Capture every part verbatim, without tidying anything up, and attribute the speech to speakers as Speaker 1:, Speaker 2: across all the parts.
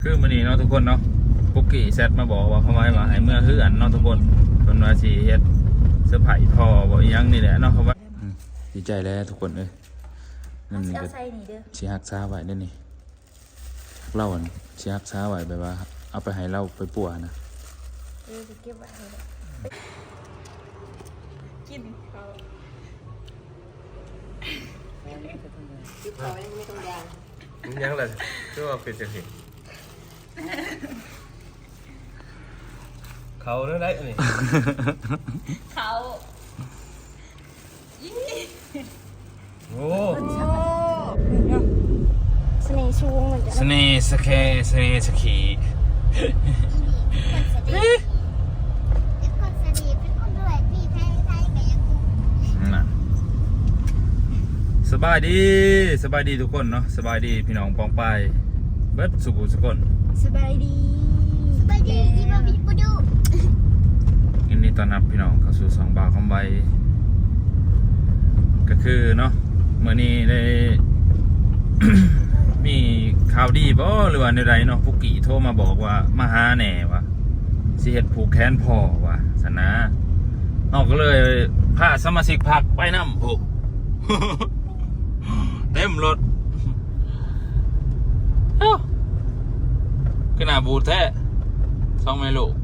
Speaker 1: คือมื้อนี้เนาะทุกคนเนาะปุกกี้แซดมาบอกว่าเขาไว้ว่าให้เมื่อคืออันเนาะทุกคนเพิ่นว่าสิเฮ็ดเซอร์ไพรส์พ่อบ่อีหยังนี่แหละเนาะเขาว่าดีใจแล้วทุกคนเอ้ยนั่นนี่ก็สิฮักษาไว้เด้อนี่เล่าอันสิฮักษาไว้แบบว่าเอาไปให้เราไปปัวนะ
Speaker 2: เออจะเก็บไว้ให้กินเขากินเขาไม่ต้องยาง
Speaker 1: ยังล่ะคือว่าเป็นจังซี่เขาเด้อได้อันนี้
Speaker 2: เขา
Speaker 1: โอ้
Speaker 2: สเนห์ชูงเหมือนกัน
Speaker 1: สเนห์สเคสเนห์สกีสบายดีสบายดีทุกคนเนาะสบายดีพี่น้องปองไปเบิดสุขุสุกคน
Speaker 2: สบายดีสบายดีอีบาบิปูดู
Speaker 1: ยินดีต้อนรับพี่น้องเข้าสู่สองบาคอมไบก็คือเนาะเมื่อนี้ได้ มีข่าวดีบ่หรือว่าในใดเนาะปุกกี้โทรมาบอกว่ามาหาแหน่ว่าสิเฮ็ดผูกแขนพ่อว่าสนะนอกก็เลยพาสมาชิกพักไปนำโอ้ เต็มรถเอ้าขึ้นหน้าบูดแท้สองแม่ลูก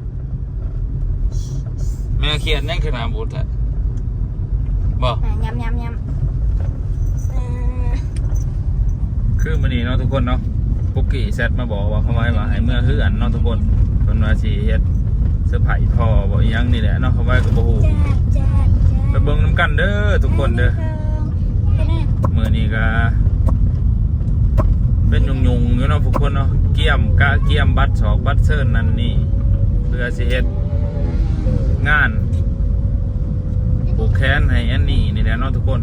Speaker 1: แม่เขียนยังขึ้นหน้าบูดแท้บ่
Speaker 2: ยำยำยำ
Speaker 1: คือมื้อนี้เนาะทุกคนเนาะปุกกี้แซดมาบอกว่าเขาไว้ว่าให้เมื่อคืออันเนาะทุกคนเพิ่นว่าสิเฮ็ดเซอร์ไพรส์พ่อบ่อีหยังนี่แหละเนาะเขาไว้ก็บ่ฮู้ไปเบิ่งนำกันเด้อทุกคนเด้อมื้อนี้ก็เป็นยุงๆอยู่เนาะทุกคนเนาะเกี่ยมกะเกี่ยมบัตรสอกบัตรเชิญนั่นนี่เพื่อสิเฮ็ดงานผูกแขนให้อันนี้นี่แหละเนาะทุกคน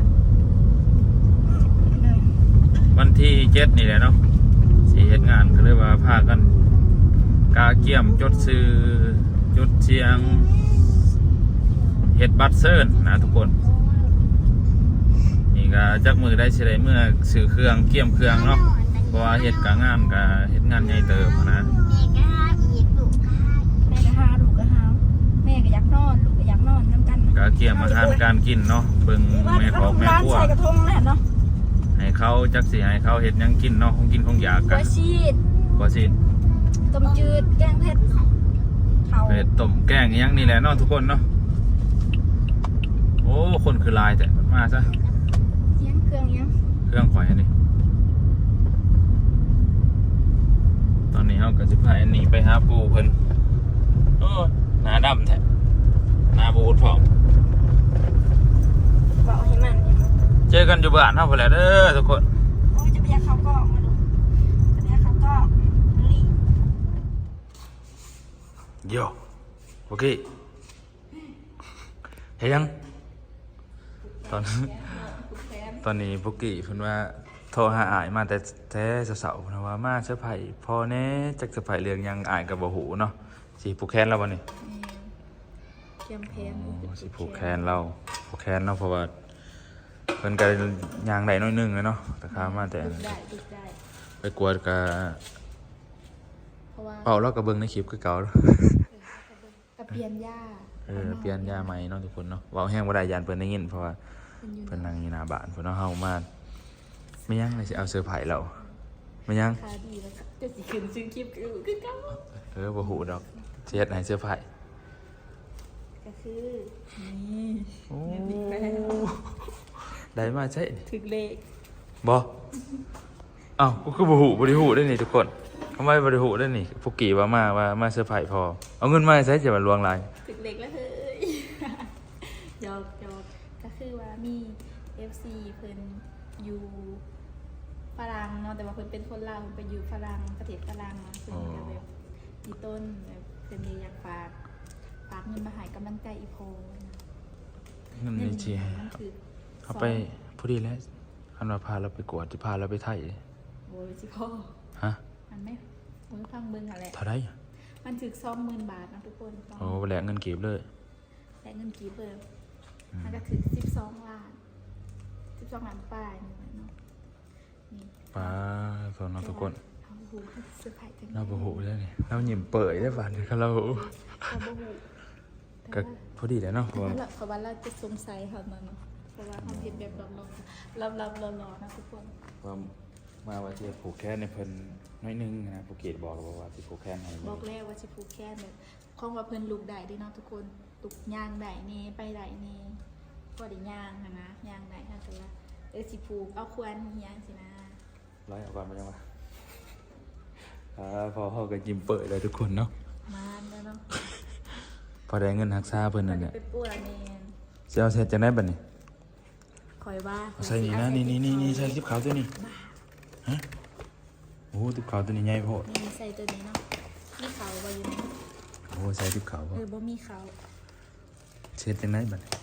Speaker 1: วันที่เจ็ดนี่แหละเนาะสิเฮ็ดงานก็เลยว่าพากันกาเกี่ยมจดซื้อจดเสียงเฮ็ดบัตรเชิญนะทุกคนนี่ก็จักมือได้สิได้เมื่อซื้อเครื่องเกี่ยมเครื่องเนาะเพราะว่าเฮ็ดกะงานกะเฮ็ดงานใหญ่เติบนะ
Speaker 2: แม่ก็หาลูกก็หาแม่ก็อยากนอนลูกก็อยากนอนน้ำกัน
Speaker 1: กะเกี่ยมอาหารการกินเนาะเบิ่งแม่ของแม่ครัว
Speaker 2: ใส่กระทงแน่เนาะ
Speaker 1: ให้เขาจักสิให้เขาเฮ็ดหยังกินเนาะของกินของอยากกะ
Speaker 2: บ่ชีด
Speaker 1: บ่ชีด
Speaker 2: ต้มจืดแกงเผ็ดเขา
Speaker 1: เผ็ดต้มแกงอีหยังนี่แหละเนาะทุกคนเนาะโอ้คนคือลายแต่มาซะ
Speaker 2: เลี้ยงเครื่องเลี้ยง
Speaker 1: เครื่องข่อยอันนี้ตอนนี้เฮาก็สิพาอันนี้ไปหาปู่เพิ่นโอ้หน้าดำแท้หน้าบูดพร้อม
Speaker 2: บอกให้มัน
Speaker 1: เจอกันอยู่บ้านเฮาพุ่นแหละเด้อทุกคน
Speaker 2: โอ้ยจะไปยักเขาก็มาดูจะไปยักเขาก็นี่
Speaker 1: โยโอเคเฮ็ดยังตอนตอนนี้ปุกกี้เพิ่นว่าโทรหาอ้ายมาแต่แท้เสาๆเพิ่นว่ามาเซอร์ไพรส์พ่อแน่จักเซอร์ไพรส์เรื่องหยังอ้ายก็บ่ฮู้เนาะสิผูกแขนแล้วบ่นี่
Speaker 2: เตรียมแขน
Speaker 1: สิผูกแขนเราผูกแขนเนาะเพราะว่าเพิ่นก็ย่างได้น้อยนึงเลยเนาะแต่ข้ามาแต่ไปกวดก็เป่าแล้วก็เบิ่งในคลิปคือเก่า
Speaker 2: ก็เปลี่ยนยา
Speaker 1: เออเปลี่ยนยาใหม่เนาะทุกคนเนาะเว้าแห้งบ่ได้ยานเพิ่นได้ยินเพราะว่าเพิ่นนั่งอยู่หน้าบ้านเพิ่นเนาะเฮามาไม่ยังเลยสิเอาเซอร์ไพรส์เราไม่ยัง
Speaker 2: ค่าดีแล้วจะสิขึ้นชื่อคลิปคือคือเก่า
Speaker 1: เออบ่ฮู้ดอกสิเฮ็ดให้เซอร์ไพรส์
Speaker 2: ก็คือนี่
Speaker 1: โอ้ได้มาใช่
Speaker 2: ถึกเลข
Speaker 1: บ่อ้าวก็คือบ่ฮู้บ่ได้ฮู้ได้นี่ทุกคนทำไมบ่ได้ฮู้ได้นี่ปุกกี้ว่ามาว่ามาเซอร์ไพรส์พอเอาเงินมาใช้จะมาลวงลาย
Speaker 2: ถึกเลขแล้วเฮ้ยยอกยอกก็คือว่ามี เอฟ ซี เพิ่นอยู่ฝรั่งเนาะแต่ว่าเพิ่นเป็นคนลาวเพิ่นไปอยู่ฝรั่งประเทศฝรั่งเนาะเพิ่นก็แบบมีต้นแบบเพิ่นอยากฝากฝากเงินมาให้กำลังใจอีโพ
Speaker 1: เงินนี่สิเอาไปพอดีแล้วคันว่าพาเราไปกวดสิพาเราไปไทย
Speaker 2: โอ้ยสิพ่อ
Speaker 1: ฮะ
Speaker 2: มันไม่โอ้ยฟังเบิ่งหั่นแหละ
Speaker 1: เท่าใด
Speaker 2: มันถึก สองหมื่น บาทนะทุกคน
Speaker 1: โอ้แลกเงินกีบเลย
Speaker 2: แลกเงินกีบเลยมันก็ถึงสิบสองล้านสิบสองล้านป้ายนี่เนาะนี่
Speaker 1: ป้าสอนทุกคน
Speaker 2: รหูเซอร์ไพรส์จัง
Speaker 1: เราบ่ฮู้แล้วนี่เราหยิ้มเปิดได้บาดนี้ครับเรา
Speaker 2: เราบ่หู
Speaker 1: ก็พอดีแล้วเนาะเพราะว่า
Speaker 2: เพราะว่าเราจะสงสัยเขาเนาะเพราะว่าเขาเห็นแบบหลอกๆลับๆหล่อๆนะทุกคน
Speaker 1: ว่ามาว่าจะผูกแขนในเพิ่นน้อยหนึงนะภูเก็ตบอกเราว่าสิผูกแขนให้
Speaker 2: บอกแล้วว่าสิผูกแขนแบบของว่าเพิ่นลูกได้เด้เนาะทุกคนลูกย่างได้นี่ไปได้นี่บ่ได้ย่างหันนะย่างได้ถ้าเกิดว่าเออสิผูกเอาควรเฮียงสินะ
Speaker 1: ร้อยเอาก่อนมาจังวะอ่าพอเฮาก็ยิ้มเปิดเลยทุกคนเนาะ
Speaker 2: มานแล้วเนาะ
Speaker 1: พอได้เงินรักษาเพิ่นนั่นแหละ
Speaker 2: ไปป่วยแม่น
Speaker 1: สิเอาเสร็จจังได๋บัดนี้
Speaker 2: คอยว่า
Speaker 1: เอาใส่นี่นะนี่นี่นี่นี่ใส่ติ๊บขาวตัวนี้ฮะโอ้ติ๊บขาวตัวนี้ใหญ่โพด
Speaker 2: นี่ใส่ตัวนี้เนาะมีเขาบ่อยู่นี่
Speaker 1: โอ้ใส่ติ๊บขาว
Speaker 2: เอ
Speaker 1: บ่
Speaker 2: อบ่มีเขา
Speaker 1: เสร็จจังได๋บัดนี้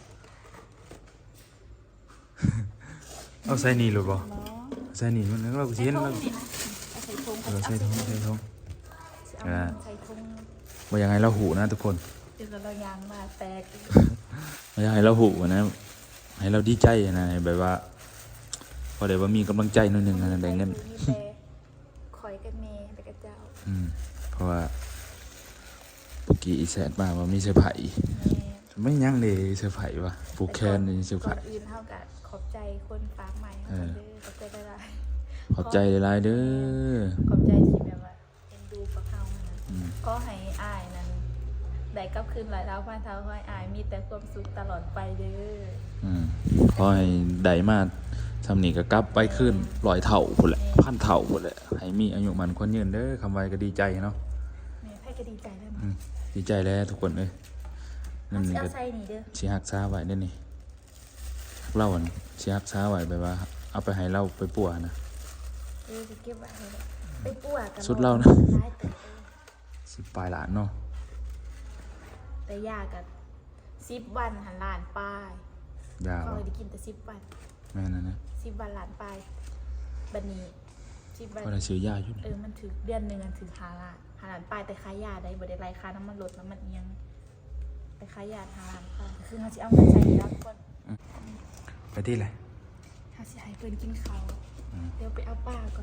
Speaker 1: เอาใส่นี่หรือบ่
Speaker 2: เนาะ
Speaker 1: ใส่นี่มันเราก็สิเห็น
Speaker 2: ใส่
Speaker 1: เรา
Speaker 2: ถุงนี่นะเอาใส่ถุง
Speaker 1: เออใส่ถุงใส่ถุง
Speaker 2: เอาใส่ถุง
Speaker 1: บ่อยังไงเราหูนะทุกคน
Speaker 2: เดี๋ยวเรายางมาแตก
Speaker 1: บ่อยังไงเราหูนะให้เราดีใจนะให้แบบว่าพอได้ว่ามีกำลังใจหนิดนึงนะได้เงิน
Speaker 2: มีแต่คอยกับเมย์ไปกับเจ้า
Speaker 1: อืมเพราะว่าปุกกี้อีแสนมาว่ามีเซอร์ไพรส์
Speaker 2: แม่
Speaker 1: ไม่ยั้งเลยเซอร์ไพรส์ว่ะผูกแขนนี่เซอร์ไพร
Speaker 2: ก่อน
Speaker 1: ส์
Speaker 2: อื่นเท่ากับขอบใจคนฝากใหม่ให้คนเด้อขอบใจได้หลาย
Speaker 1: ขอบใจหลายๆเด้อ
Speaker 2: ขอบใจที่แบบว่าเอ็นดูกับเขานะ
Speaker 1: อืม
Speaker 2: ก็ให้อายนั้นได้กลับคืนหลายเท้าพันเท้าให้อายมีแต่ความสุขตลอดไปเด้อ
Speaker 1: อืมขอให้ได้มาทำนี่ก็กลับไปขึ้นร้อยเท่าพุ่นแหละพันเท่าพุ่นแหละให้มีอายุมันคนยืนเด้อคำไว้ก็ดีใจเนาะ
Speaker 2: แม่ไพ่ก็ดีใจแล้ว
Speaker 1: อื
Speaker 2: เนาะ
Speaker 1: มดีใจแล้วทุกคนเอ้ยนั่
Speaker 2: เอา
Speaker 1: น
Speaker 2: สิ
Speaker 1: นี่
Speaker 2: เอา
Speaker 1: ก็
Speaker 2: ใส่นี่เด้อ
Speaker 1: สิฮักษาไว้เด้อนี่เล่าอันสิฮักษาไว้แบบว่า เอาไปให้เราไปปัวนะ
Speaker 2: เออจะเก็บไว้ให้ได้ไปปั่วกัน
Speaker 1: สุดเรานะ
Speaker 2: ได้แต่เออ
Speaker 1: สิปลายหลานเนาะ
Speaker 2: แต่ยากันสิบวันหันหลานป้าย
Speaker 1: ยาว
Speaker 2: เขาเลยได้กินแต่สิบวัน
Speaker 1: แม่นั่นนะ
Speaker 2: สิบวันหลานป้ายบันนี้สิบวัน
Speaker 1: ก็ได้ซื้อยาอยู่
Speaker 2: เออมันถือเดือนหนึ่งอันถือหาล้านหาล้านป้ายแต่ค้ายาได้บ่ได้ไรค่าน้ำมันลดน้ำมันเอียงไปค้ายาหาล้านป้ายคือเขาจะเอาเงินใส่แล้วทุกคน
Speaker 1: ไปที่ไหน
Speaker 2: เขาจะให้เพิ่นกินเขาวเดี๋ยวไปเอาป้าก่อน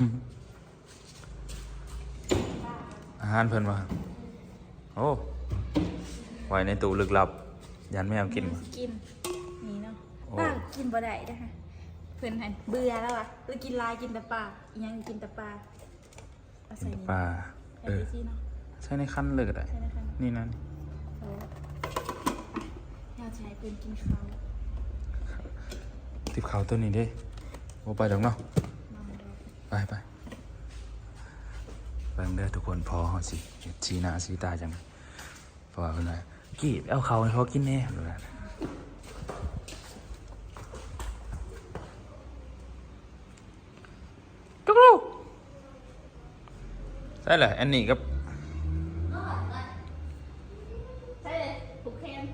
Speaker 1: อาหารเพิ่นว่าโอ้ไว้ในตู้ลึกลับ ยันไม่เอากิน
Speaker 2: มา
Speaker 1: มา
Speaker 2: กินนี่เนาะ
Speaker 1: โอ้
Speaker 2: ป้ากินบ่ได้นะคะเพิ่นหันเบื่อแล้วอ่ะเออกินลายกินแต่ปลาอีหยังกินแต่ปลาเอาใส่นี่
Speaker 1: ปลา
Speaker 2: ใส่
Speaker 1: เออ
Speaker 2: ที่เนาะ
Speaker 1: ใช่ในคันเลยก็ได้
Speaker 2: ใช่นะคะ
Speaker 1: นี่นั่น
Speaker 2: เออไปเราจะให้เพิ่นกินข้าว
Speaker 1: ติบเขาวตัวนี้เด้โอ้ไปดอกเนาะ
Speaker 2: มาดอก
Speaker 1: ไปไปเบิ่งเด้อทุกคนพอเฮาสิสีหน้าสีตาจังเพราะว่าเพิ่นว่ากี้ไปเอาเขาวให้เขากินแน่เพิ่นว่าจุกลูกใช่แหละอันนี้กับ
Speaker 2: ใช่เลยผูกแขน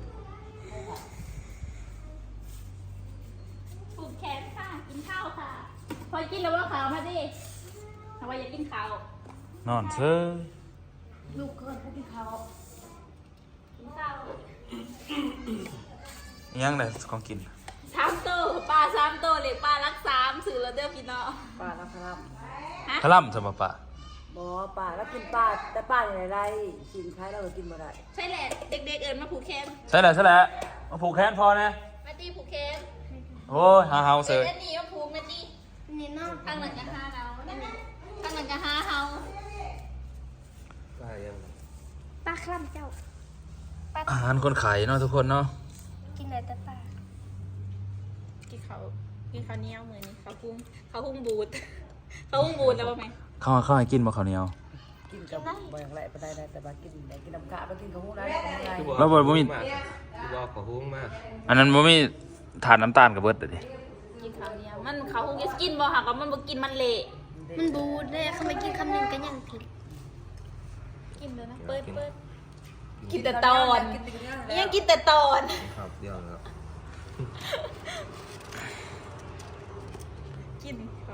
Speaker 2: ผูกแขนค่ะ กินข้าวค่ะ พอกินแล้วว่าขาวมาดิทำไมอยากกินข้าวน
Speaker 1: อนเซ้อ
Speaker 2: ลูกเกินถ้ากินข้าวกินข้าว
Speaker 1: อิหยังได้ของกิน
Speaker 2: สามโตปลาสามโตเหล็กปลารักสามสื่อแล้วเด้อพี่น้อง
Speaker 3: ป่าแล้วครับ
Speaker 2: ฮะ
Speaker 1: พะล่ำสมบปะ
Speaker 3: บอป่าแล้วกินป่าแต่ป่าอย่างไรสินค้ายเราก็กินมาได้
Speaker 2: ใช่แหละเด็กๆเอิญมาผูกแขน
Speaker 1: ใช่แหละใช่แหละมาผูกแขนพอนะ
Speaker 2: มาตีผูกแขน
Speaker 1: โอ้ยหาเฮาเส
Speaker 2: เอ็
Speaker 1: ย
Speaker 2: นนี่มาผูกมาตีนี่น้องทางหลังกะฮาเราทางหลังกะฮาเฮา
Speaker 4: ป้ายัง
Speaker 2: ปลาคล่ำเจ้าปลา
Speaker 1: อาหารคนขายเนาะทุกคนเนาะ
Speaker 2: กินอะไรแต่ปลากินเขากินข้าวเหนียวมือนี่ข้าวหุ้งข้าวหุ้งบูดข้าวหุ้งบูดแล้วป่ะไหม
Speaker 1: เข้าเข้าให้กินบ่ข้าวเหนียว
Speaker 3: กินกับบ่อย่างไรไปได้ได้แต่ว่ากินได้กินน้ำกะไปกินกับหูได้ของไร
Speaker 1: แล้วบ่บ่มี
Speaker 4: คือบอกขอหุ้งมาก
Speaker 1: อันนั้นบ่มีถาดน้ำตาลกับเบิดเด้อดิ
Speaker 2: กินข้าวเหนียวมันข้าวหุ้งกินบ่หากว่ามันบ่กินมันเละ
Speaker 5: มันบูดเลยเขาไม่กินคำหนึ่งก็ยังผิด
Speaker 2: กินเลยนะเปิดเปิดกินแต่ตอนยังกินแต่ตอน
Speaker 4: ครับเดียวแล้ว
Speaker 2: กินเขา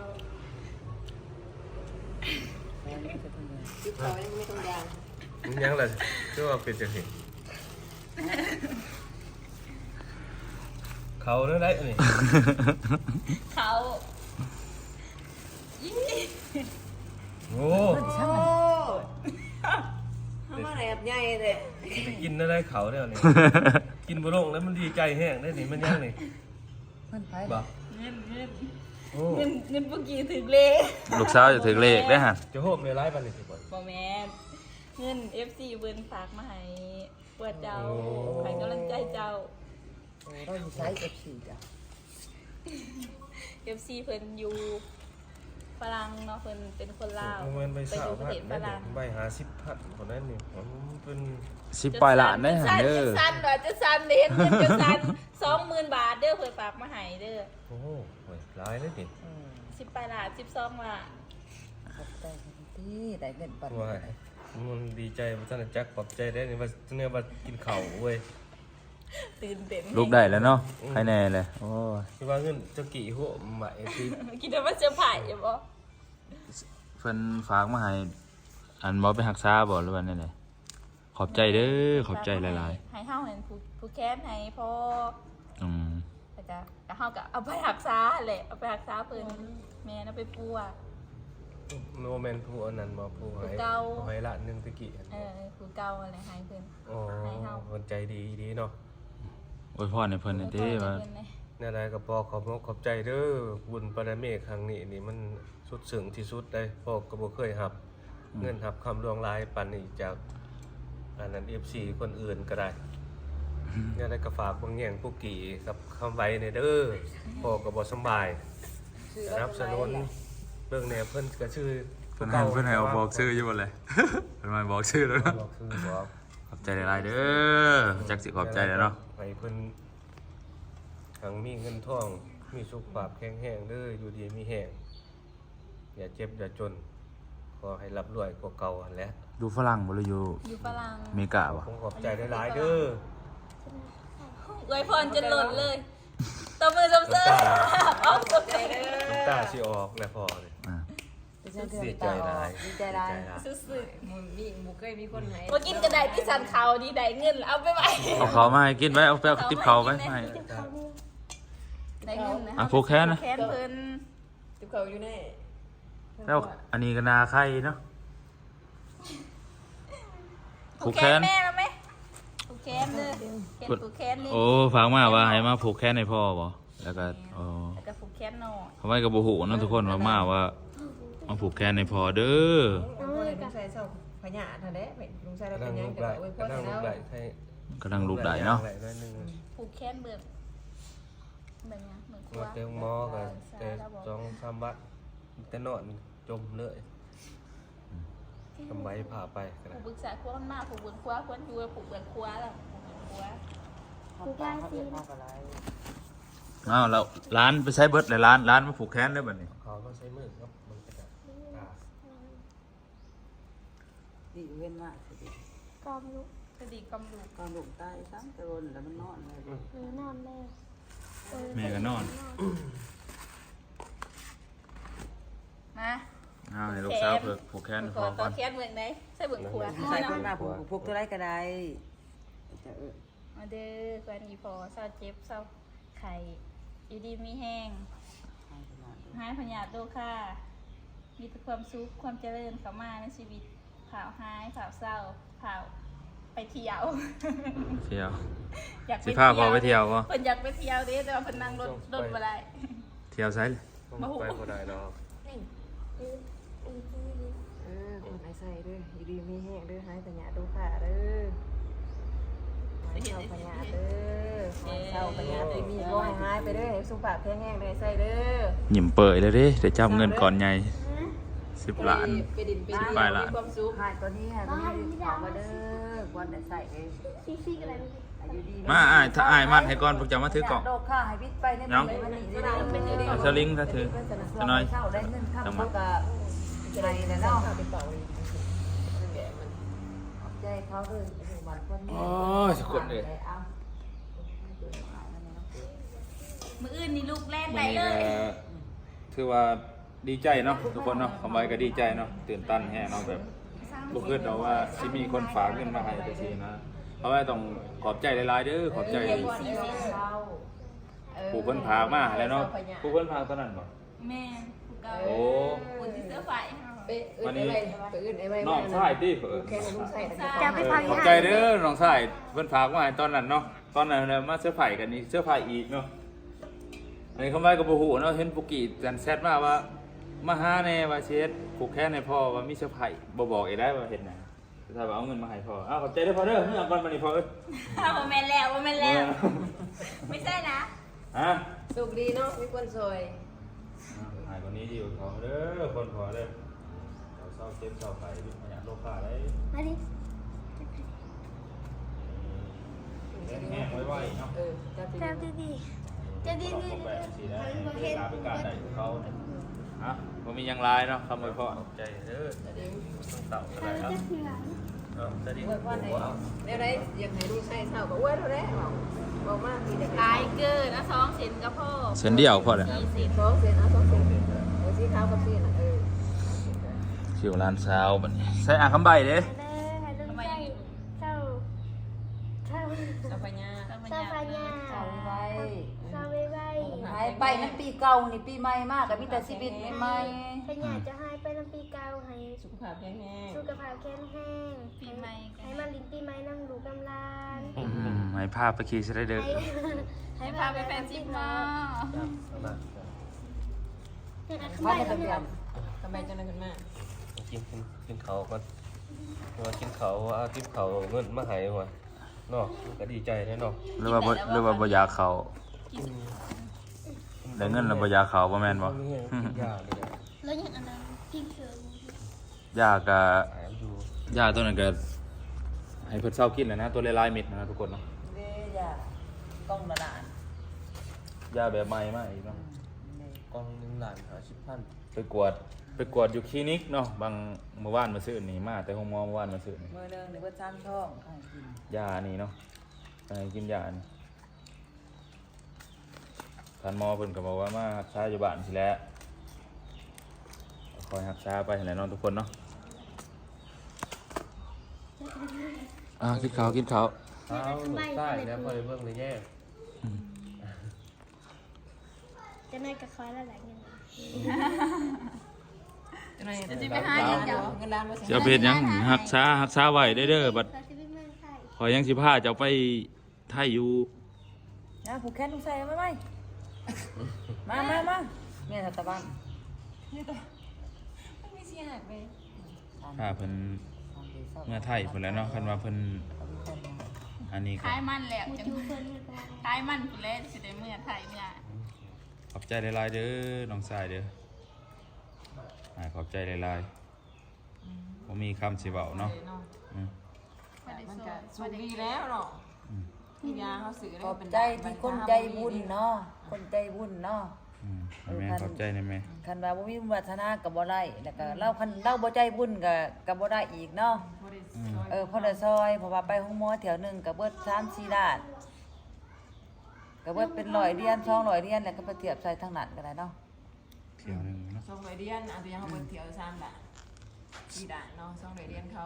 Speaker 4: มันยังเลยชื่อว่าเป็นจังสิเขาเรื่องไรนี่
Speaker 2: เขายี่
Speaker 4: โอ้
Speaker 3: ทำมาแอบใหญ่เลย
Speaker 4: ไปกินได้ได้เขาเนี่ยนี่กินบ่ลงแล้วมันดีใจแห้งได้นี่มันยังนี่
Speaker 3: เพิ่นไป
Speaker 4: บ่
Speaker 2: เงินเงิน
Speaker 4: โอ้
Speaker 2: เงินเงินเมื่อกี้ถึงเลข
Speaker 1: ลูกสาวจะถึงเลขได้อฮะ
Speaker 4: จะโฮมในไลฟ์บันนี่สิบ่
Speaker 2: บอแมนเงิน เอฟ ซี เบิร์นฝากมาให้เปิดเจ้าให้กำลังใจเจ้า
Speaker 3: เราอยู่ใช้ เอฟ ซี จ้ะ
Speaker 2: เอฟ ซี เพิ่นอยู่ฝรั่งเนาะเพิ่นเป็นคนลาว
Speaker 4: มันไป
Speaker 2: ไป
Speaker 4: สา
Speaker 2: อ
Speaker 4: ว
Speaker 2: ยู่ประ
Speaker 4: พัน
Speaker 2: เทศฝ
Speaker 4: ได้
Speaker 2: รั่ง
Speaker 4: ใบหาสิบพันคนนั้นนี่ผมเป็น
Speaker 1: สิบปลายล้านได้อฮะเด้อ
Speaker 2: จะสั้นเหรอจะสั้นเด้เงินจะสั้นสองหมื่นบาทเด้อเพิ่นฝากมาให้เด้อ
Speaker 4: โอ้โหหลายเลยนี่
Speaker 3: อืม
Speaker 2: สิบปลายล้านสิบสองล้าน
Speaker 3: ขอบใจคนที่ได้เงินปัน
Speaker 4: ว่ามันดีใจว่าท่านจักขอบใจได้นี่ว่าเนี่ยว่ากินข้าวเว้ย
Speaker 2: ตื่นเต้น
Speaker 1: ลูกได้แล้วเนาะใครแน่เลยโอ้ย
Speaker 4: คือว่าเงินเจ้ากี่หัวใหม่ที่
Speaker 2: คิดว่าเซอร์ไพรส์อยู่บ่
Speaker 1: เพิ่นฝากมาให้อันบ่ไปรักษาบ่หรือว่าแนวๆขอบใจเด้อขอบใจหลาย
Speaker 2: ๆให้เฮาเห็นผู้ผู้แค้นให้พ่อ
Speaker 1: ๆอืม
Speaker 2: ก็จะก็เฮาก็เอาไปรักษาแหละเอาไปรักษาเพิ่นแม่นเอาไปปัว
Speaker 4: โนแมนผู้อันนั้นมาผู้ให้
Speaker 2: ผู้เก่า
Speaker 4: ผู้ให้ละหนึ่งตะกี้
Speaker 2: เออผู้เก่าอะไรให้เพิ่น
Speaker 4: อ๋อคนใจดีดีเนาะ
Speaker 1: อวยพรให้เพิ่นหน่อยเด้ว่า
Speaker 2: เพิ่นเลย
Speaker 4: นี่อะไรกับพ่อขอบขอบใจเด้อบุญปรเมฆครั้งนี้นี่มันสุดซึ้งที่สุดเลยพ่อก็บ่เคยหับ เงินหับคำลวงลายปันนี่จากอันนั้น เอฟ ซี คนอื่นก็ได้นี่อะไรก็ฝากบางแง่งผู้กี่กับคำไว้ในเด้อพ่อก็บ่สำบายสนับสนุนเบิ่งแนวเพิ่นก็ชื่อ
Speaker 1: เพิ่นให้เพิ่นให้เอาบอกชื่ออยู่บ่เลย เพิ่นมาบอกชื่อแล้วเนาะ
Speaker 4: บอกคือบอก
Speaker 1: ขอบใจหลายๆเด้อจักสิขอบใจแล้วเนาะ
Speaker 4: ให้เพิ่นทั้งมีเงินทองมีสุขภาพแข็งแรงเด้ออยู่ดีมีแรงอย่าเจ็บอย่าจนขอให้ร่ำรวยกว่าเก่าหั่นแหละ
Speaker 1: ดูฝรั่งบ่หรืออยู่
Speaker 2: อยู่ฝรั่ง
Speaker 1: อเมริกาบ่
Speaker 4: ผมขอบใจหลายๆเด้อ
Speaker 2: อวยพรจนหล่นเลยตบมือสมเสริมเอาตบใจเด้อ
Speaker 4: น้ำตาสิออกแล้วพอเลย
Speaker 1: อ่า
Speaker 4: ดีใจหลาย
Speaker 3: ดีใจหลาย
Speaker 2: สุด
Speaker 3: มึงมีมึงเคยมีคนไหน
Speaker 2: ๆมากินกระไดที่สันเขาดีได้เงินเอาไปไว้
Speaker 1: เอาเขามาให้กินไว้เอาไปเอาติ๊บเขาไว้ให้
Speaker 2: ได้เงินนะ
Speaker 1: อ่ะผูกแขนนะ
Speaker 2: ผูกแขนเพิ่น
Speaker 3: ติบเขาอยู่ใน
Speaker 1: แล้วอันนี้ก็นาไข่เนาะ ผูกแขน
Speaker 2: แม่แล้วไหมผูกแขนเลยเห็นผูกแขนนี่
Speaker 1: โอ้ฟังมาว่าให้มาผูกแขนให้พ่อบ่แล้วก็อ๋อ
Speaker 2: แล้วก็ผูกแขนหน่อย
Speaker 1: ทำไมก็บ่ฮู้เนาะทุกคนว่ามาว่ามาผูกแขนให้พ่อเด้อ
Speaker 3: ลุงใส่เสาพญาทันเด้ลุงใส่แล้ว
Speaker 4: กำ
Speaker 3: เป็
Speaker 4: ลั
Speaker 3: น
Speaker 4: ง
Speaker 3: ยัง
Speaker 4: ลูก
Speaker 3: จะ
Speaker 4: ไหล
Speaker 3: อวยพร
Speaker 4: กำลังลู
Speaker 3: แล้
Speaker 4: ก
Speaker 3: ว
Speaker 4: ไหลให้
Speaker 1: กำลังลูกได้เนาะ
Speaker 4: ไหลน้อยหนึง
Speaker 2: ผูกแขนเบิกแบบนี้เหมือนครัว
Speaker 4: มาเติมหมอกันแต่สองสามวัดแต่นอนจมเลยทำไมพาไปกัน
Speaker 2: ผูกบึกษาครัวมันมากผูกเบิกครัวควรอยู่ผูกเบิกครัวแล้วผูกเบิกครัว
Speaker 3: ผูกยาสีนะ
Speaker 1: อ้าวแล้วร้านไปใช้เบิดเลยร้านร้านมาผูกแขนได้บัดนี้
Speaker 4: เขาก็ใช้มือครับมันก็จะตา
Speaker 3: ดีเว้นมากสิ
Speaker 5: กอมลูก
Speaker 2: กระดีกำลูก
Speaker 3: ตอนหลงใต้ซ้ำตะรนแล้วมันนอนเลย
Speaker 5: เออนอนแล้วเออ
Speaker 1: แม่ก็นอน
Speaker 2: มา
Speaker 1: อ้าวให้ลูกสาวเพิ่นผูกแขนให้
Speaker 2: ข
Speaker 1: พ่
Speaker 2: อ
Speaker 1: อ
Speaker 2: ต่
Speaker 1: ก่
Speaker 2: อ
Speaker 1: อน
Speaker 2: แขนเมืองไหนใส่เบิกครัว
Speaker 3: ใส่คนมาผูกผูกตัวไรก็ได้จะเออ
Speaker 2: มาเด้อควรอีพอเศร้าเจ็บเศร้าไข่อยู่ดีมีแห้ง หายพญาโตค่ะมีแต่ความสุขความเจริญเข้ามาในชีวิตข่าวหายข่าวเศร้าข่าวไปเที่ยว
Speaker 1: เที่ยว
Speaker 2: อยาก
Speaker 1: สิพาพ่อไปเที่ยวบ่
Speaker 2: เพิ่นอยากไปเที่ยวเด้แต่ว่าเพิ่นนั่งรถรถบ่ได้
Speaker 1: เที่ยวไสเลย
Speaker 4: ต้องไปก็ได้เนาะ
Speaker 5: เออเออเออ
Speaker 3: เออคนไหนใส่ด้วยอยู่ดีมีแห้งด้วยหายพญาดูค่ะเด้อหายเศร้าพญาเด้อหายเศร้าพญาได้มีก็หายไปเด้อสุขภาพแข็งแรงเลยใส่เด้อ
Speaker 1: ยิ้มเปิดเลยเด้ได้จับเงินก่อนใหญ่สิบล้าน
Speaker 3: ไปดินไปดิน
Speaker 1: ไปละ
Speaker 3: มีความสุขหายตัวนี้หายตัวนี้ขอมาเด้อวันไหนใส่เอง
Speaker 5: ซีซีอะไรไม่รู้
Speaker 3: อายุดี
Speaker 1: มาอ้ายถ้าอ้ายมัดให้ก่อนพวกจะมาถือกล่อง
Speaker 3: โดดข้าให้บิดไปใน
Speaker 1: น้อง
Speaker 3: มันนี่ได้เป็นเดือน
Speaker 1: เอาสลิงถ้าถือจะน้อย
Speaker 3: เข้าได้เงินข้ามเขาก็ใจแล้วเนาะใจเขาเลยวันวันนี้
Speaker 1: โอ้ยสุดเลย
Speaker 2: มื้ออื่นนี่ลูกแรก
Speaker 1: วัน
Speaker 2: ได้
Speaker 1: นี้
Speaker 2: เล
Speaker 1: ก็
Speaker 2: ย
Speaker 1: ถือว่าดีใจเนาะทุกคนเนาะคำไว้ก็ดีใจเนาะตื่นตันแฮะเนาะแบบบ่คิดดอกว่าสิมีคนฝากเงินมาให้จังซี่นะเพราะว่าต้องขอบใจหลายๆเด้อขอบใจผู้เพิ่นพากมาแล้วเนาะผู้เพิ่นพากตอนนั้นบ่
Speaker 2: แม่ผู้เก่า
Speaker 1: โอ้
Speaker 2: ผู้ที่เสื้อไฟ
Speaker 3: ไปเอื้นไอ้ไว้ไปเอื้นไอ้ไว้
Speaker 1: น้องชายติเผอ
Speaker 3: แค่ให้ลุงใส่แต่
Speaker 5: จะไปพัก
Speaker 1: ขอบใจเด้อน้องชายเพิ่นฝากมาให้ตอนนั้นเนาะตอนนั้นมาเสื้อไผ่กันนี่เสื้อไผ่อีกเนาะอันนี้เขาไม่กับบ่ฮู้เนาะเห็นปุกี้จันแซดมาว่ามาหาแน่ว่าเช็ดผูกแขนให้พ่อว่ามีเสื้อไผ่บ่บอกอีกได้ว่าเฮ็ดหยังถ้าว่าเอาเงินมาให้พ่ออ้าวขอบใจเด้อพ่อเด้อเมื่อก่อนมานี่พ่อเอ้ย
Speaker 2: โมเมนแล้วโมเมนแล้วไม่ใช่นะ
Speaker 1: ฮะ
Speaker 3: สุขดีเนาะมีคนซอย
Speaker 1: หายคนนี้ดีกว่าเขาเด้อคนพอเด้อเราเศร้าเจ็บเศร้าไผ่ดิพยาโลกาได้
Speaker 5: มาดิ
Speaker 1: แห้งๆไว้ๆเนาะ
Speaker 3: เออจับ
Speaker 5: เจ้าดีดีเจ้าดีดี
Speaker 1: แปลกสิได้เวลาเป็นการได้ของเขาฮะบ่มีหยังลายเนาะคำอวยพร
Speaker 4: ขอบใจเด้อ
Speaker 3: จะดี
Speaker 4: ต้องเต่าก็
Speaker 5: เจ้า
Speaker 4: ได้ครับ
Speaker 5: จะเถื่อน
Speaker 4: เออจะดี
Speaker 3: อวยพรให้ได้ได้อยากให้ลุงใส่เศร้าก็อวยเท่านั้นบอกมากมีแต่
Speaker 2: ลายเกินนะสองเซนกับพ่อ
Speaker 1: เส้นเดียวพอเลย
Speaker 2: สี่สิบ
Speaker 3: สองเซนเอาสองเซนเอาสีขาวกับสีน่ะเออ
Speaker 1: คิวร้านเช้าบัดนี้ใส่อ่างคำใบเด้
Speaker 5: เด้อให้ลูกใส่เจ้าเจ้า
Speaker 3: เจ้าพญา
Speaker 2: เจ้าพ
Speaker 5: เจ้า
Speaker 2: ญา
Speaker 5: พญา
Speaker 6: เจ้าไว้
Speaker 5: เจ้าไว้ไว้
Speaker 6: หายไปน้ำปีเก่านี่ปีใหม่มากกับมีแต่ชีวิตใหม่
Speaker 5: พญาจะให้ไปน้ำปีเก่าให้
Speaker 3: สุขภาพแข็งแรง
Speaker 5: สุขภาพแข็งแรง
Speaker 2: ปีใหม่กั
Speaker 5: ให้
Speaker 2: น
Speaker 5: มาลิ้นปีใหม่นั่งดูกำลาน
Speaker 1: ให้ภาพไปขี่สไลเดอร์
Speaker 5: ให้
Speaker 2: ให้พาไปแฟนซิปเนาะ
Speaker 5: ให้อัด
Speaker 6: ๆ
Speaker 5: ขึ้น
Speaker 6: พั
Speaker 5: ไป
Speaker 6: นใน
Speaker 5: แล้
Speaker 6: ทะ
Speaker 5: ว
Speaker 6: เบียน
Speaker 3: ทำไมจังเลยขึ้นมา
Speaker 4: กินกินกินเขาก่อนว่ากินเขาเอาทิปเขาเงินมาให้ว่ะเนาะก็ดีใจแน่เนาะ
Speaker 1: หรือว่าบ่หรือว่าบ่อยากเขาได้เงินแล้วบ่อยากเขาบ่แม่นบ่
Speaker 4: ยาเลย
Speaker 5: แล้วอย่างอันนั้นกินเชิญ
Speaker 1: ยากกะ
Speaker 4: หายอยู่
Speaker 1: ยาตัวนั้นก็ให้เพิ่นเศร้ากินแหล้วนะตัวหลายๆเม็ดนะทุกคนเนาะ
Speaker 6: เด้อย่าต้องละลาน
Speaker 1: ยาแบบใหม่มาอีกเนาะ
Speaker 4: กองหนึ่งล้านหาสิบพัน
Speaker 1: ไปกวดไปกวดอยู่คลินิกเนาะบางเมื่อวานมาซื้อนี่มาแต่ห้องหมอเมื่อวานมาซื้อนี่
Speaker 6: มือหนึงหรือว่าจามช่องให้กิน
Speaker 1: ยานี่เนาะให้กินยานี่ท่านหมอเพิ่นก็บอกว่ามารักษาอยู่บ้านสิแหล้วคอยรักษาไปหั่นแหละเนาะทุกคนเนาะอ่ากินข้าวกินข้าว
Speaker 4: เอาใต้แล้วพอได้เบิ่งเลยแย่
Speaker 5: จะนายกับคอยละหลายเงิน
Speaker 3: จังเลย
Speaker 2: จะไปหาเงินเจ้า
Speaker 3: เงินล้านว่า
Speaker 1: จะเอาไปเฮ็ดหยังรักษารักษาไว้ได้เด้อบัด
Speaker 5: เราจะไปเมืองไทย
Speaker 1: ขอยยังสิพาเจ้าไปไทยอยู่
Speaker 6: นะผูกแขนลุงใส่ไว้ไหมมามามาแม่ทัตะบ้าน
Speaker 3: ไม่มีเสียหายไป
Speaker 1: พาเพิ่นเมื่อไทยเพิ่นแหล้วเนาะคันว่าเพิ่นอันนี้ก็
Speaker 2: คล้ายมันแล้ว
Speaker 5: มู
Speaker 2: จัง
Speaker 5: จูเพิ่นเมื่อก่อน
Speaker 2: คล้ายมันคุณเล่สิได้เมื่อไทยเมื่อ
Speaker 1: ขอบใจหลายๆเด้อน้องชายเด้ออ่าขอบใจหลายๆบ่มีคำสิเว้าเนาะอืม
Speaker 3: มันก็สุขดีแล้วเนาะที่ยาเขาสื่อ
Speaker 6: ขอบใจที่คนใจบุญเนาะคนใจบุญเนาะ
Speaker 1: อืมแม่ขอบใจนะแม่
Speaker 6: คันว่าบ่มีบุญวาสนาก็บ่ได้แล้วก็เราคันเราบ่ใจบุญก็ก็บ่ได้อีกเนาะเออพอได้ซอยเพราะว่าไปห้องหมอแถวหนึงก็เบิดสามสี่ล้านก็เบิดเป็นร้อยเหรียญสองร้อยเหรียญแล้วก็ไปเทียบใส่ทางนั้นก็ได้เนาะ
Speaker 1: เที่ยวหนึงเนาะ
Speaker 3: สองร้อยเดียนอาจจะยังเขาเปิดเที่ยวซ้ำด่านกี่ด่านเนาะสองร้อยเดียนเขา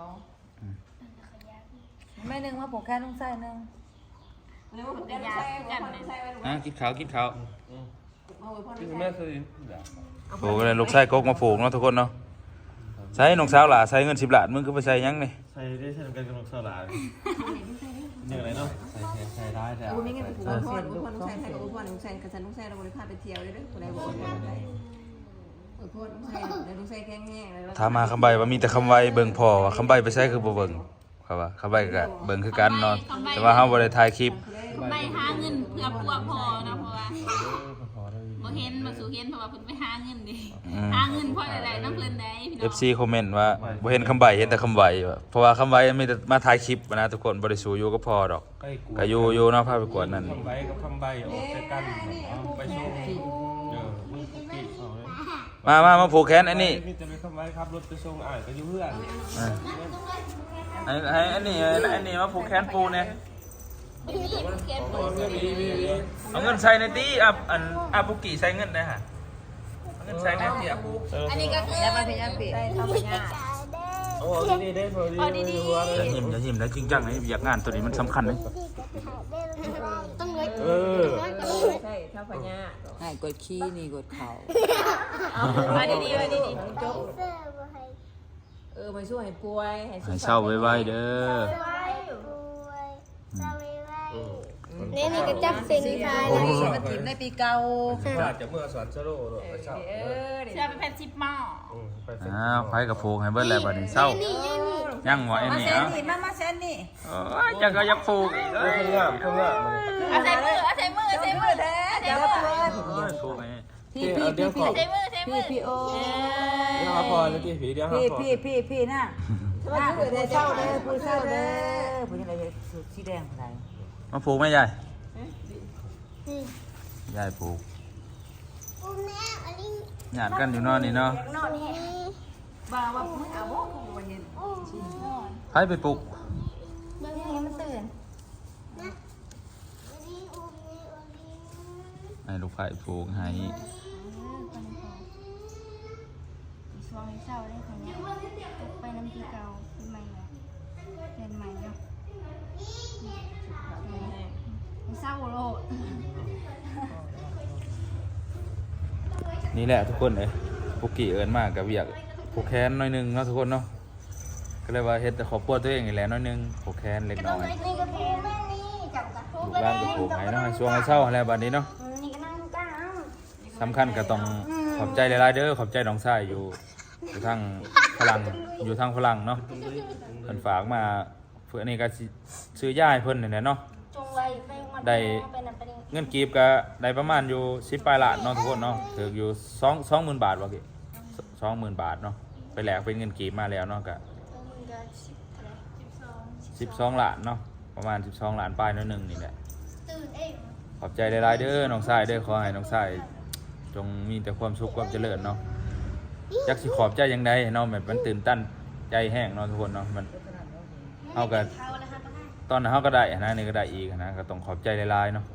Speaker 6: แม่หนึงมาผูกแขนลุงใส่หนึง
Speaker 3: เรียกว่าผมได้ใช้กันใช้ไว้หรือ
Speaker 1: อ่ะ
Speaker 3: ว่า
Speaker 1: กินข้าวกินข้าว
Speaker 3: มาไว้พ่อ
Speaker 4: ที่
Speaker 3: ใช้
Speaker 4: แม่เคย
Speaker 1: โอ้ก็เลยลูกชายกกมาผูกเนาะทุกคนเนาะใส่น้องสาวหล่ะใส่เงินสิบล้านมึงคือไปใส่หยังนี่
Speaker 7: ใส่ได้ใช้กันกับลูกสาวหลานอย่างไรเนาะใส่ใส่ได้แต่
Speaker 3: เออไม่งั้นผมพ่อหรือพ่อลุงใช้ใช้กับพ่อลุงใช้กับฉันลุงใช้เราบริพาไปเที่ยวเลยเด้อคนใดบอกว่าใช้เออพ่อลุงใช้แล้วลุงใช้แข็งแห้งแล้ว
Speaker 1: ถามมาคำใบว่ามีแต่คำไว้เบิ่งพ่อว่าคำใบไปใส่คือบ่เบิ่งครับว่าคำใบก็เบิ่งคือกันเนาะแต่ว่าเฮาบ่ได้ถ่ายคลิป
Speaker 2: ไปหาเงินเพื่อพวกพอนะเพราะว่าบ่เห็นมาสู่เห็นเพราะว่าเพิ่นไปหาเงินดิหาเงินเพราะอะไรน้ำเพิ่นได้พี่น้
Speaker 1: เอ
Speaker 2: อง
Speaker 1: ฟ ซี คอมเมนต์ว่าบ่เห็นคำใบเห็นแต่คำใบว่าเพราะว่าคำใบมีแต่มาถ่ายคลิปนะทุกคนบ่ได้สู่อยู่ก็พอดอก
Speaker 4: ไปกู
Speaker 1: ก็อยู่อยู่เนาะพาไปกวดนั่น
Speaker 4: คำใบกับคำใบออกจากกันไปชมเออมึงปีเขาเลย
Speaker 1: มามามาผูกแขนอันนี้
Speaker 4: มีแต่ไปคำใบครับรถไปชงอ่านก็อยู่เพื่อน
Speaker 1: อ่าให้ให้อันนี้อันนี้มาผูกแขนปูเนี่ยเอาเงินใส่ในตี้อ่ะอันอ่ะปุกกี้ใส่เงินได้ฮะเอาเงินใส่ในตี้อ่ะปู
Speaker 2: อันนี้ก็คือ
Speaker 6: อย่ามาพยายามปิด
Speaker 3: ได้เข้าไปยาก
Speaker 4: โอ้ดีได้พอดี
Speaker 2: พอดี
Speaker 1: อย่าหิมอย่าหิมแล้วจริงจังนะอยากงานตัวนี้มันสำคัญเลย
Speaker 5: ต้องเลย
Speaker 4: เออ
Speaker 3: ใช่เท่าพญา
Speaker 6: ให้กดขี้นี่กดเข่า
Speaker 2: ๆมาดีๆมาดี
Speaker 5: ไอเซอร์บ่ให้
Speaker 3: เออมาช่วยให้ป่วยให้สุข
Speaker 1: ให้
Speaker 3: ภาพ
Speaker 1: เศร้าไว้ๆเด้อ
Speaker 5: ไว้ป่วยเศร้าไว้ไว้
Speaker 4: อืม
Speaker 5: นี่นี่ก็จับเส้นคลาย
Speaker 6: โอ้
Speaker 5: เลย
Speaker 6: โหมันถิ่มในปีเก่า
Speaker 4: ถ้าจะเมื่อสวนสโลว์หรอกไปเช่า
Speaker 3: เออเดี๋ยว
Speaker 2: เชื่อเป็นแพนชิปหม้อ
Speaker 4: อืมไปเป็น
Speaker 1: อ้าวไผกับผูกให้เบิดแล้วบัดนี้เศร้ายังบ่ไอ้
Speaker 6: มา
Speaker 1: นี่
Speaker 6: แซน
Speaker 1: เอ้า
Speaker 6: นี่มามาแซนนี่
Speaker 1: โอ้ยจักก็อยักผูกอีก
Speaker 4: เออเพิ่งงามเพิ่งงามเลย
Speaker 2: เอาใส่มือเอาใส่มือเอาใส่มือ
Speaker 6: แท้เดี๋ยวเพื่อน
Speaker 1: โอ้ยผูกให้
Speaker 6: พี่พี่พี่พี่
Speaker 2: ใส่มือใส่มื
Speaker 6: พี่
Speaker 2: อ
Speaker 6: พี่โอ้
Speaker 4: เดี๋ยวหาพอแล้วที่ผีเดี๋ยวหา
Speaker 6: พี่
Speaker 4: พอ
Speaker 6: พี่พี่พี่น่ะน่ะผู้เศร้าเด้อผู้เศร้าเด้อผู้ยังไงสุดสีแดงอะไร
Speaker 1: มาผูกไหมยายยายผูก
Speaker 5: อุ้มแม่อันนี้
Speaker 1: หยาดกันอยู่เนอนนี่เนาะ
Speaker 5: นอนแห้
Speaker 6: บ้าว่าผู้เอาบ่ผู้วันนี้
Speaker 5: อุ้มนอน
Speaker 1: ไผไปปลุก
Speaker 5: เมื่อกี้มันตื่นนะอันนี้อุ้มนี่อุ้มนี่
Speaker 1: ให้ลูกไผผูกให้
Speaker 5: ช่วงเช้าได้ของเนี่ยไปน้ำพีเก่าปีใหม่เนี่ยเรียนใหม่เนาะเศร้าโลด
Speaker 1: นี่แหละทุกคนเอ้ยปุกกี้เอิ้นมากกับเวียกผูกแขนหน่อยหนึงเนาะทุกคนเนาะก็เลยว่าเฮ็ดแต่ขอบปัวตัวเองนี่แหละหน้อยหนึงผูกแขนเล็กน้อย
Speaker 5: นี่ก็พูแม่นี่จับกระพู
Speaker 1: ลูกหลานก็ผูกให้เนาะให้ช่วงให้เศร้าแล้วบัดนี้เนาะ
Speaker 5: นี่ก็นั่งก้าว
Speaker 1: สำคัญก็ต้องขอบใจหลายๆเด้อขอบใจน้องชายอยู่อยู่ทางพลังอยู่ทางพลังเนาะเพิ่นฝากมาเพื่อนี่ก็สิซื้อย่าให้เพิ่นนี่แหละเนาะ
Speaker 5: จงไว้ไปมัน
Speaker 1: ได้
Speaker 5: เป็นอันเป็นอัน
Speaker 1: เงินกีบก็ได้ประมาณอยู่สิบปลายล้านเนาะทุกคนเนาะถืออยู่สองสองหมื่นบาทวะพี่สองหมื่นบาทเนาะไปแลกเป็นเงินกีบมาแล้วเนาะก็
Speaker 5: มึงก็สิบเท่าไหร่สิบสอง
Speaker 1: สิบสองล้านเนาะประมาณสิบสองล้านปลายน้อยหนึงนี่แหละ
Speaker 5: ตื่นเอง
Speaker 1: ขอบใจหลายๆเด้อน้องชายเด้อขอให้น้องชายจงมีแต่ความสุขความเจริญเนาะจักสิขอบใจยังไดเนาะแบบมันตื่นตันใจแห้งเนาะทุกคนเนาะมันเฮาก็
Speaker 5: เขาแล้วครับป้า
Speaker 1: ตอนนั้นเฮาก็ได้นะนี่ก็ได้อีกนะก็ต้องขอบใจหลายๆเนาะ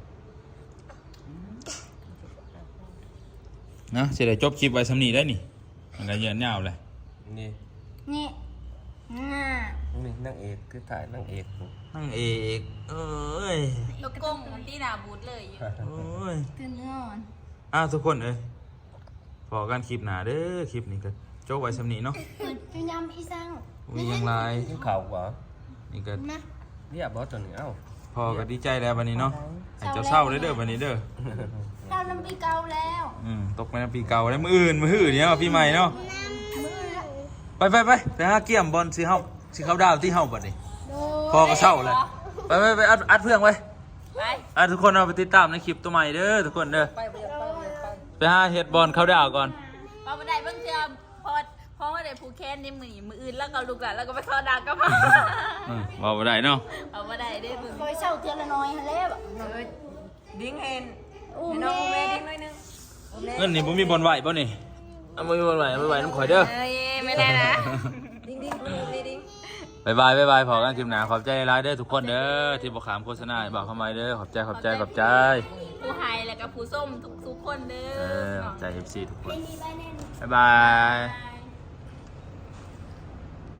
Speaker 1: นะสิได้จบคลิปไว้สำนี้ได้นี่มันก็เยือนยาวเลย
Speaker 4: นี่
Speaker 5: นี่น่า
Speaker 4: นี่นางเอกคือถ่ายนางเอก
Speaker 1: นั่งเอกเอ้ย
Speaker 2: ตกกงตีหนาบูดเลยอยู่
Speaker 1: โอ้ย
Speaker 5: ตื่นนอน
Speaker 1: อ้าวทุกคนเอ้ยพอกันคลิปหน้าเด้อคลิปนี้ก็จบไว้สำนี้เนาะ
Speaker 5: เปิดจุยำอีสัง
Speaker 1: มีหยังไร
Speaker 4: นี่ข่าวกว่า
Speaker 1: นี่ก็
Speaker 5: นะ
Speaker 4: เรียบร้อยตัวนี้เอ้า
Speaker 1: พอก็ดีใจแล้ววันนี้เนาะให้เจ้าเศร้าเด้อเด้อวันนี้เด้อ
Speaker 5: เราน้ำปีเก่าแล้ว
Speaker 1: อืมตกไปในปีเก่าแล้วมืออื่นมืออื่นเนี่ยปีใหม่เนาะ
Speaker 5: มือละ
Speaker 1: ไปไปไปไปหาเกี่ยมบอลสิเฮาสิเขาดาวที่เฮาบัดนี้
Speaker 5: โด
Speaker 1: พอก็เศร้าเลยไปไปไปอัดอัดเพื่องไว้
Speaker 2: ไป
Speaker 1: อ่ะทุกคนเอาไปติดตามในคลิปตัวใหม่เด้อทุกคนเด้อ
Speaker 6: ไปไปไปไป
Speaker 1: ไปหาเฮ็ดบอลเขาดาวก่อน
Speaker 2: พอมาได้เบิ่งเจอพอพอมาได้ผูกแขนนี่มือมืออื่นแล้วก็ลูกหลานแล้วก็ไปเข้าดังก็มา
Speaker 1: อืมบอกบ่ได้เนาะ
Speaker 2: เอามาได้ได้มึง
Speaker 5: คอยเศร้าเทือนละน้อยฮะแล้ว
Speaker 3: เออดิ้งเห็น
Speaker 5: อุ้ม
Speaker 3: ให้น้อง
Speaker 5: แม่
Speaker 3: อุ้มแม่ดิ้งหน่อยหนึงอุ้มแม่
Speaker 1: เงินนี่บ่มีบอลไหวบ่นี่เอาบ่มีบอลไหวบ่ไหวน้ำข่อยเด้อ
Speaker 2: เอ้ยไม่ได้นะ
Speaker 3: ดิ้งดิ้งอุ้มแม่ดิ้ง
Speaker 1: บายบายบายบายพอกันคลิปหน้าขอบใจหลายๆเด้อทุกคนเด้อที่บ่ขามโฆษณาให้บอกเข้ามาเด้อขอบใจขอบใจขอบใจ
Speaker 2: ผู้ไฮแล้วก็ผู้ส้มทุกทุกคนเด้
Speaker 1: เอ
Speaker 2: อ
Speaker 1: อขอบใจ เอฟ ซี ทุกคน
Speaker 5: ไม่มีใบแน่น
Speaker 1: บ๊ายบาย
Speaker 2: บาย